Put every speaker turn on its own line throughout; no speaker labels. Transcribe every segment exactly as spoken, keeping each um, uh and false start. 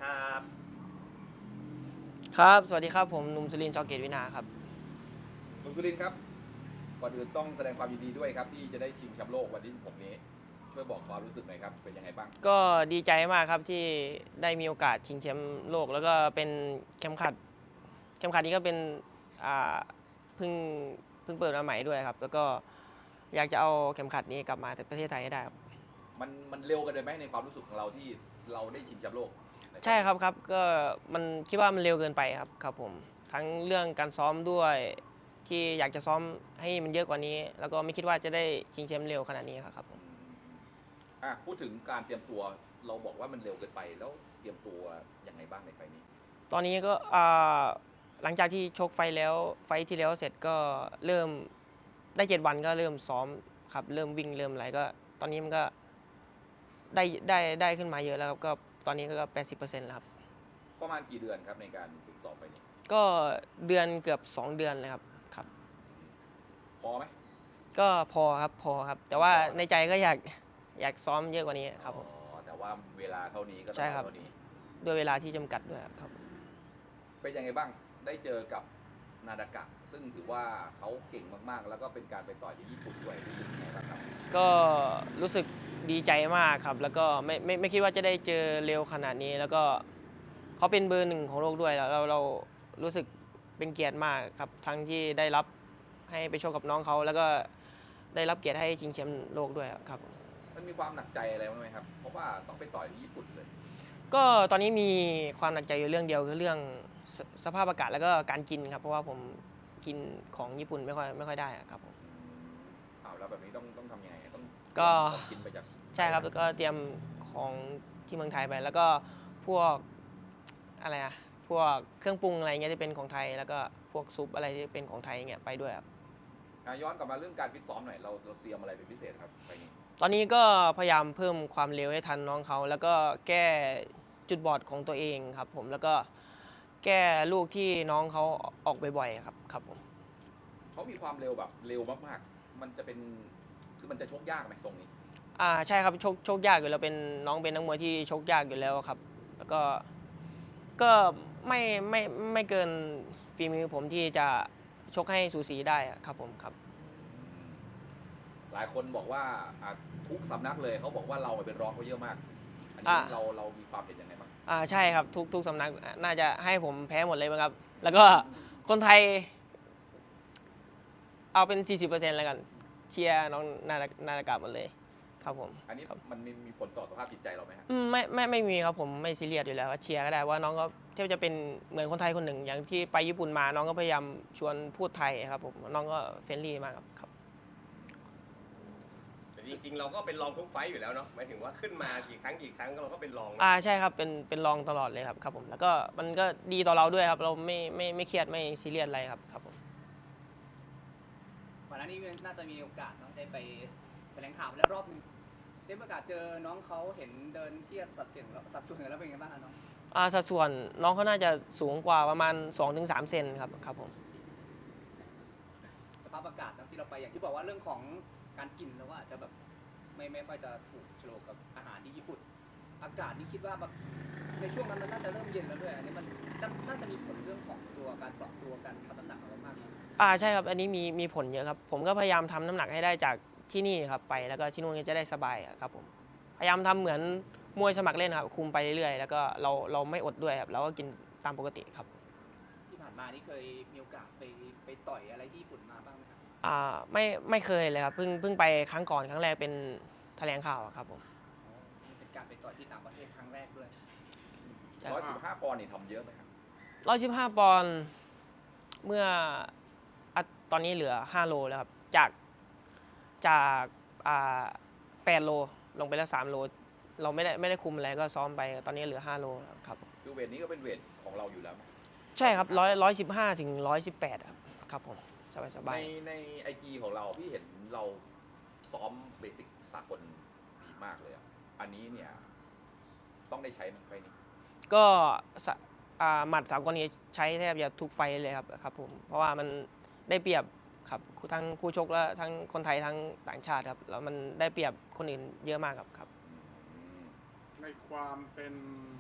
ครับ
ครับสวัสดีครับผมหนุ่มสุรินทร์ ชอเกตวินาครับ
คุณสุรินทร์ครับก่อนอื่นต้องแสดงความยินดีด้วยครับที่จะได้ชิงแชมป์โลกวันที่สิบหกนี้ช่วยบอกความรู้สึกหน่อยครับเป็นยังไงบ้าง
ก็ดีใจมากครับที่ได้มีโอกาสชิงแชมป์โลกแล้วก็เป็นเข็มขัดเข็มขัดนี้ก็เป็นอ่าเพิ่งเพิ่งเปิดมาใหม่ด้วยครับแล้วก็อยากจะเอาเข็มขัดนี้กลับมาประเทศไทยให้ได้ครับ
มันมันเร็วกันเลยไหมในความรู้สึกของเราที่เราได้ชิงแชมป์โลก
ใช่ครับครับก็มันคิดว่ามันเร็วเกินไปครับครับผมทั้งเรื่องการซ้อมด้วยที่อยากจะซ้อมให้มันเยอะกว่านี้ แล้วก็ไม่คิดว่าจะได้ชิงแชมป์เร็วขนาดนี้ครับผม
อ่ะพูดถึงการเตรียมตัวเราบอกว่ามันเร็วเกินไปแล้วเตรียมตัวยังไงบ้างในไฟล์นี้
ตอนนี้ก็หลังจากที่ชกไฟแล้วไฟที่แล้วเสร็จก็เริ่มได้เจ็ดวันก็เริ่มซ้อมครับเริ่มวิ่งเริ่มอะไรก็ตอนนี้มันก็ได้ได้ได้ขึ้นมาเยอะแล้วครับก็ตอนนี้ก็แปดสิบเปอร์เซ็นต์แล้วครับ
ประมาณกี่เดือนครับในการฝึกซ้อมไฟนี้
ก็เดือนเกือบสองเดือนเลยครับครับ
พอไหม
ก็พอครับพอครับแต่ว่าในใจก็อยากอยากซ้อมเยอะกว่านี้ครับผม
อ๋อแต่ว่าเวลาเท่านี้ก็ต้องเท่านี้
ด้วยเวลาที่จำกัดด้วยครับ
เป็นยังไงบ้างได้เจอกับนาดากะซึ่งถือว่าเขาเก่งมากๆแล้วก็เป็นการไปต่อยที่ญี่ปุ่นด้วยรู้สึกยังไงบ้างครับ
ก็รู้สึกดีใจมากครับแล้วก็ไม่ไม่ไม่คิดว่าจะได้เจอเร็วขนาดนี้แล้วก็เขาเป็นเบอร์หนึ่งของโลกด้วยแล้วเราเรารู้สึกเป็นเกียรติมากครับทั้งที่ได้รับให้ไปโชว์กับน้องเขาแล้วก็ได้รับเกียรติให้ชิงแชมป์โลกด้วยครับ
มันมีความหนักใจอะไรบ้างไหมครับเพราะว่าต้องไปต่อยที่ญี่ปุ่นเลย
ก็ตอนนี้มีความหนักใจอยู่เรื่องเดียวคือเรื่องสสภาพอากาศแล้วก็การกินครับเพราะว่าผมกินของญี่ปุ่นไม่ค่อยไม่ค่อยได้ครับผม
อ้าวแล้วแบบนี้ต้องต้องทำยังไงต้อง
ก็
กินไปจาก
ใช่ครับแล้วก็เตรียมของที่เมืองไทยไปแล้วก็พวกอะไรอะพวกเครื่องปรุงอะไรเงี้ยที่เป็นของไทยแล้วก็พวกซุปอะไรที่เป็นของไทยเงี้ยไปด้วยครับ
ย้อนกลับมาเรื่องการฟิตซ้อมหน่อยเราเราเตรียมอะไรเป็นพิเศษครับไปนี้
ตอนนี้ก็พยายามเพิ่มความเร็วให้ทันน้องเขาแล้วก็แก้จุดบอดของตัวเองครับผมแล้วก็แก้ลูกที่น้องเขาออกบ่อยๆครับครับผม
เขามีความเร็วแบบเร็วมากๆมันจะเป็นคือมันจะชกยากไหมทรงนี้
อ่าใช่ครับชกชกยากอยู่แล้วเป็นน้องเป็นนักมวยที่ชกยากอยู่แล้วครับแล้วก็ก็ไม่ไม่ไม่เกินฝีมือผมที่จะชกให้สูสีได้ครับผมครับ
หลายคนบอกว่าทุกสำนักเลยเขาบอกว่าเราเป็นรองเขาเยอะมากอันนี้เราเรามีความเห็นยังไงบ้าง
อ่าใช่ครับทุกทุกสำนักน่าจะให้ผมแพ้หมดเลยมั้งครับแล้วก็คนไทยเอาเป็น สี่สิบเปอร์เซ็นต์ แล้วกันเชียร์น้องนานาฬกาหมดเลยครับผม
อันนี้มันมีผลต่อสภาพจิตใจเราไหมครับ
ไม่ไม่ไม่มีครับผมไม่ซีเรียสอยู่แล้วเชียร์ก็ได้ว่าน้องก็เทียบจะเป็นเหมือนคนไทยคนหนึ่งอย่างที่ไปญี่ปุ่นมาน้องก็พยายามชวนพูดไทยครับผมน้องก็เฟรนลี่มากครับ
แต่จริงๆเราก็เป็นรองทุกไฟต์อยู่แล้วเนาะหมายถึงว่าขึ้นมากี่ครั้งกี่ครั้งเราก็เป็นรอง
อ่าใช่ครับเป็นเป็นรองตลอดเลยครับครับผมแล้วก็มันก็ดีต่อเราด้วยครับเราไม่ไม่ไม่เครียดไม่ซีเรียสอะไรครับครับผม
ก่อนหน้านี้น่าจะมีโอกาสเนาะได้ไปแถลงข่าวแล้วรอบนึงได้ประกาศเจอน้องเขาเห็นเดินเทียบสัดส่วนสัดส่วนกันแล้วเป็นไงบ้างน้อง
อ่าสัดส่วนน้องเขาน่าจะสูงกว่าประมาณ สองถึงสาม เซนครับครับผม
สภาพอากาศนะที่เราไปอย่างที่บอกว่าเรื่องของการกินเราก็อาจจะแบบไม่ไม่ค่อยจะถูกโฉลกกับอาหารที่ญี่ปุ่นอากาศนี่คิดว่าแบบในช่วงนั้นมันน่าจะเริ่มเย็นแล้วด้วยอันนี้มันน่าจะมีผลเรื่องของตัวการปรับตัวการทำน้ำหนักของเรามากนะ
อ่าใช่ครับอันนี้มีมีผลเยอะครับผมก็พยายามทำน้ำหนักให้ได้จากที่นี่ครับไปแล้วก็ที่นู่นก็จะได้สบายครับผมพยายามทำเหมือนมวยสมัครเล่นครับคุมไปเรื่อยๆแล้วก็เราเราไม่อดด้วยครับเราก็กินตามปกติครับ
ที่ผ่านมานี่เคยมีโอกาสไปไปต่อยอะไรที่ญี่ปุ่นมาบ้างไหมครับ
อ่าไม่ไม่เคยเลยครับเพิ่งเพิ่งไปครั้งก่อนครั้งแรกเป็นแถลงข่าวครับผม
เป็นการไปต่อยที่ต่างประเทศครั้งแรกด้วย
ร้อยสิบห้าปอนด์นี่ทำเยอะไหมครับ
ร้อยสิบห้าปอนด์เมื่อตอนนี้เหลือห้าโลแล้วครับจากจากอ่าแปดโลลงไปแล้วสามโลเราไม่ได้ไม่ได้คุมอะไรก็ซ้อมไปตอนนี้เหลือห้าโลครับ
คือเวทนี้ก็เป็นเวทของเราอยู่แล้ว
ใช่ครับร้อยร้อยสิบห้าถึงร้อยสิบแปดครับครับผมสบายสบาย
ในในไอจีของเราพี่เห็นเราซ้อมเบสิกสากลดีมากเลยอ่ะอันนี้เนี่ยต้องได้ใช้ไฟนี้
ก็หมัดสากลนี้ใช้แทบจะทุกไฟเลยครับครับผมเพราะว่ามันได้เปรียบครับทั้งคู่ชกและทั้งคนไทยทั้งต่างชาติครับแล้วมันได้เปรียบคนอื่นเยอะมากครับครับ
ในความเป็น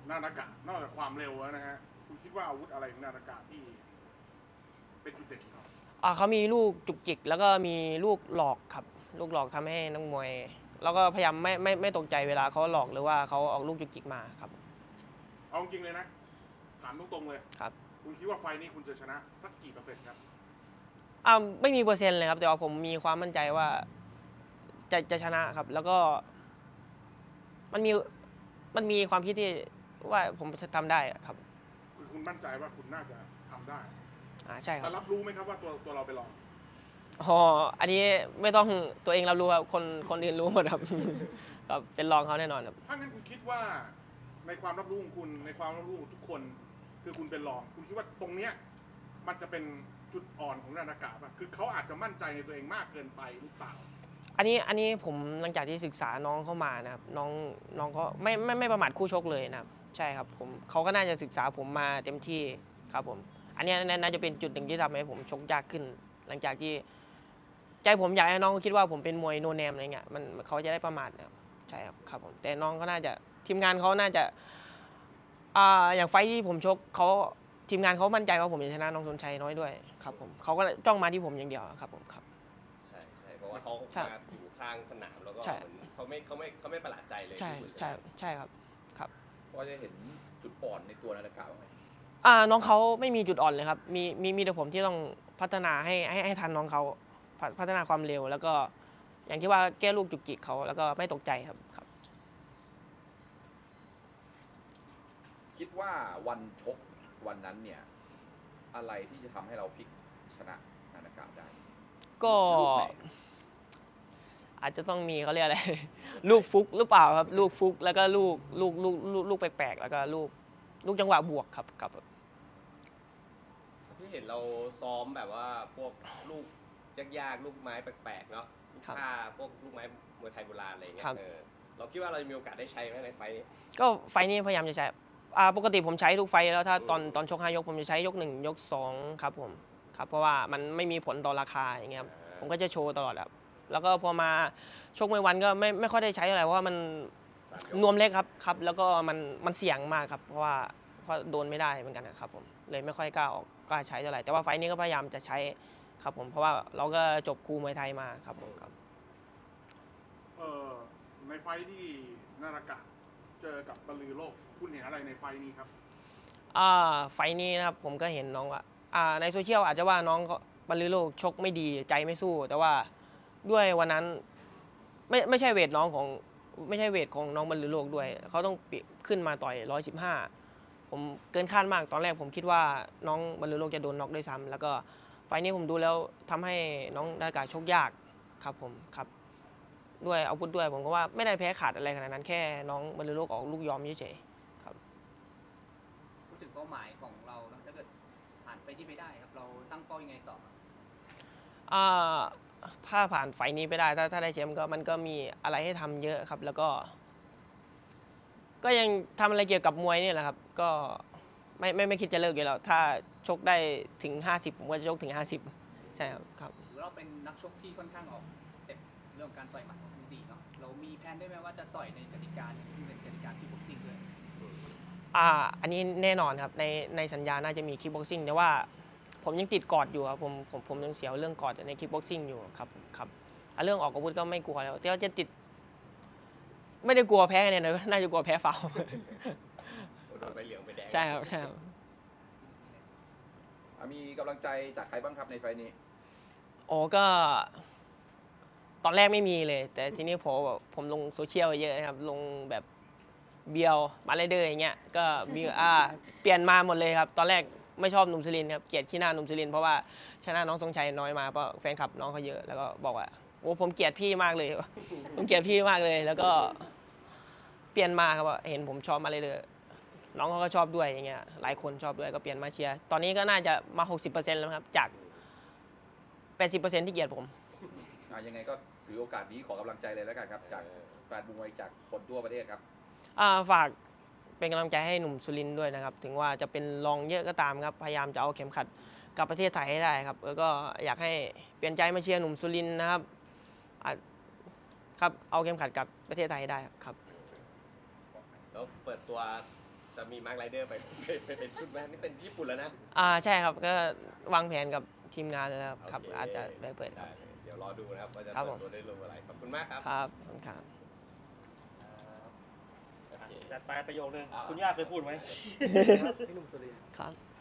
นานากะนอกจากความเร็วแล้วนะฮะคุณคิดว่าอาวุธอะไรของนานากะที่เป็นจุดเด่นของเขา
อ่าเขามีลูกจุกจิกแล้วก็มีลูกหลอกครับลูกหลอกทำให้นักมวยแล้วก็พยายามไม่ไม่ไม่ตกใจเวลาเขาหลอกหรือว่าเขาออกลูกจุกจิกมาครับ
เอาจริงเลยนะถามตรงๆเลย
ครับ
คุณคิดว่าไฟล์นี้คุณจะชนะสักกี่เปอร์เซ็นต์ครับ
อ่าไม่มีเปอร์เซ็นต์เลยครับแต่ว่าผมมีความมั่นใจว่าจะจะชนะครับ แล้วก็มันมีมันมีความคิดที่ว่าผมจะทำได้ครับ
คือคุณมั่นใจว่าคุณน่าจะทำได้
อ่าใช่ครั
แต่
บ
รับรู้ไหมครับว่าตัวตัวเราไปลอง
อ๋ออันนี้ไม่ต้องตัวเองรับรู้ครับคนคนอื่นรู้หมดครับ ครับเป็นรองเขาแน่นอนครับ
ถ้างั้นคุณคิดว่าในความรับรู้ของคุณในความรับรู้ของทุกคน คือคุณเป็นรอง คุณคิดว่าตรงเนี้ยมันจะเป็นจุดอ่อนของนานากะป่ะคือเขาอาจจะมั่นใจในตัวเองมากเกินไปหรือเปล่า
อันนี้อันนี้ผมหลังจากที่ศึกษาน้องเข้ามานะครับน้องน้องก็ไม่ไม่ไม่ประมาทคู่ชกเลยนะครับใช่ครับผมเขาก็น่าจะศึกษาผมมาเต็มที่ครับผมอันนี้น่าจะเป็นจุดหนึ่งที่ทำให้ผมชกยากขึ้น หลังจากที่ใจผมอยากให้น้องคิดว่าผมเป็นมวยโนแนมอะไรเงี้ยมันเขาจะได้ประมาทนะครับใช่ครับครับผมแต่น้องก็น่าจะทีมงานเขาน่าจะอ่าอย่างไฟท์ที่ผมชกเขาทีมงานเขามั่นใจว่าผมจะชนะน้องสนชัยน้อยด้วยครับผมเขาก็จ้องมาที่ผมอย่างเดียวครับผมครับ
ใช่ใช่เพราะว่าเขา
ใช่
มาอยู่ข้างสนามแล้วก็
ใช่
เหมือนเขาไม่เขาไม่เขาไม่ประหลาดใจเลย
ใช่
ที่คุณ
ใช่ใช่ครับครับ
ก็จะเห็นจุดอ่อนในตัวนาฬิกาบ้างไหม
อ่าน้องเขาไม่มีจุดอ่อนเลยครับ มีมีมีแต่ผมที่ต้องพัฒนาให้ให้ให้ทันน้องเขาพัฒพัฒนาความเร็ว แล้วก็อย่างที่ว่าแก้ลูกจุกจิกเขาแล้วก็ไม่ตกใจครับครับ
คิดว่าวันชกวันนั้นเนี่ย อะไรที่จะทำให้เราพลิกชนะนาฬิกาได้
ก็
ลูกไหน
อาจจะต้องมีเขาเรียกอะไร ลูกฟุกหรือเปล่าครับ ลูกฟุกแล้วก็ลูกลูกลูกลูกลูกแปลกๆแล้วก็ลูกลูกจังหวะบวกครับครับ
พี่เห็นเราซ้อมแบบว่าพวกลูกยากๆลูกไม้แปลกๆเนาะลูก
ครับ
ท่าพวกลูกไม้มวยไทยโบราณอะไรอย่างเงี้
ครั
ย
บ
เออเราคิดว่าเราจะมีโอกาสได้ใช้ไหมในไฟล์นี้
ก็ไฟล์นี้พยายามจะใช้อ่าปกติผมใช้ทุกไฟล์แล้วถ้าตอนตอนชกห้ายกผมจะใช้ยกหนึ่งยกสองครับผมครับเพราะว่ามันไม่มีผลต่อราคาอย่างเงี้ยครับผมก็จะโชว์ตลอดครับแล้วก็พอมาชกมวยวันก็ไม่ไม่ค่อยได้ใช้อะไรเพราะว่ามัน
สามยก
นวมเล็กครับครับแล้วก็มันมันเสี่ยงมากครับเพราะว่าเพราะโดนไม่ได้เหมือนกันนะครับผมเลยไม่ค่อยกล้าออกกล้าใช้เท่าไหร่แต่ว่าไฟล์นี้ก็พยายามจะใช้ครับผมเพราะว่าเราก็จบครูมวยไทยมาครับผมครับ
เอ่อในไฟล์ที่นานากะเจอกับบรรลือโลก คุณเห็นอะไรในไฟล์นี้ครับ
อ่าไฟล์นี้นะครับผมก็เห็นน้องว่าอ่าในโซเชียลอาจจะว่าน้องเขาบรรลือโลกชกไม่ดีใจไม่สู้ แต่ว่าด้วยวันนั้นไม่ไม่ใช่เวทน้องของไม่ใช่เวทของน้องบรรลือโลกด้วยเขาต้องปิขึ้นมาต่อยร้อยสิบห้าผมเกินคาดมากตอนแรกผมคิดว่าน้องบรรลือโลกจะโดนน็อกด้วยซ้ำแล้วก็ไฟล์นี้ผมดูแล้วทำให้น้องนาฬิกาชกยากครับผมครับด้วยอาวุธด้วยผมก็ว่าไม่ได้แพ้ขาดอะไรขนาดนั้นแค่น้องบรรลือโลกออกลูกยอมเฉยๆ
พูดถึงเป้าหมายของเรานะถ้าเกิดผ่านไปที่ไม่ได้ครับ เราตั้งเป้ายังไงต่อครับ
อ่าถ้าผ่านไฟล์นี้ไปได้ถ้าถ้าได้แชมป์ก็มันก็มีอะไรให้ทำเยอะครับ แล้วก็ ก็ยังทำอะไรเกี่ยวกับมวยนี่แหละครับ ก็ไม่ไม่ไม่คิดจะเลิกอยู่แล้ว ถ้าชกได้ถึง ห้าสิบ ผมก็จะชกถึง ห้าสิบ ใช่ครับครับ
หรือเราเป็นนักชกที่ค่อนข้างออกสเต็ปเรื่องการต่อยหมัดของดีเนาะเรามีแผนได้ไหมว่าจะต่อยในกติกาที่เป็นกติกาที่บ็อกซิ่งด้วย
อ่าอันนี้แน่นอนครับในในสัญญาน่าจะมีคิกบ็อกซิ่งแต่ว่าผมยังติดกอดอยู่ครับผมผมผมยังเสียวเรื่องกอดในคิกบ็อกซิ่งอยู่ครับครับอ่ะเรื่องออกอาวุธก็ไม่กลัวแล้วแต่ว่าจะติด ไม่ได้กลัวแพ้คะแนนเลยน่าจะกลัวแพ้ฟาวล์
โดนใบเหลืองใบแดง
ใช่ครับใช่ครับ
อ่ะมีกำลังใจจากใครบ้างครับในไฟล์นี้
โอ้ก็ตอนแรกไม่มีเลย แต่ทีนี้ผมแบบผมลงโซเชียลเยอะนะครับ ลงแบบเบียวมาเลเดอร์อย่างเงี้ยก็มีอ่าเปลี่ยนมาหมดเลยครับ ตอนแรกไม่ชอบหนุ่มสุรินทร์ครับเกลียดขี้หน้าหนุ่มสุรินทร์เพราะว่าชนะน้องทรงชัยน้อยมาเพราะแฟนคลับน้องเขาเยอะแล้วก็บอกว่าโอ้ผมเกลียดพี่มากเลย ผมเกลียดพี่มากเลย แล้วก็เปลี่ยนมาครับว่าเห็นผมชอบมาเลเดอร์น้องเขาก็ชอบด้วยอย่างเงี้ยหลายคนชอบด้วยก็เปลี่ยนมาเชียร์ตอนนี้ก็น่าจะมา หกสิบเปอร์เซ็นต์ แล้วครับจาก แปดสิบเปอร์เซ็นต์ ที่เกลียดผม
อ่ะยังไงก็ถือโอกาสนี้ขอกำลังใจเลยแล้วกันครับ จากแฟนมวยจากคนทั่วประเทศครับ
อ่าฝากเป็นกำลังใจให้หนุ่มสุรินทร์ด้วยนะครับ ถึงว่าจะเป็นรองเยอะก็ตามครับ พยายามจะเอาเข็มขัดกลับประเทศไทยให้ได้ครับ แล้วก็อยากให้เปลี่ยนใจมาเชียร์หนุ่มสุรินทร์นะครับอ่ะครับเอาเข็มขัดกลับประเทศไทยให้ได้ครับ
แล้วเปิดตัวจะมีมาร์คไรเดอร์ไปไปเป็นชุดไหมนี่เป็นญี่ปุ่นแล้วนะ
อ่าใช่ครับก็วางแผนกับทีมงานแล้วครับ
โเค
อาจจะได้เปิดครับ
ได้เลยเดี๋ยวรอดูนะครับว่าจะ
ครับ
เปิ
ผ
ด
ม
ตัวได้ลงอะไรขอบคุณมากครับ
ครับขอบคุณครับ
โอเค
จัดไปประโยคนึงคุณย่าเคยพูดไหม
พี่หนุ่มสุรินทร์
ครับ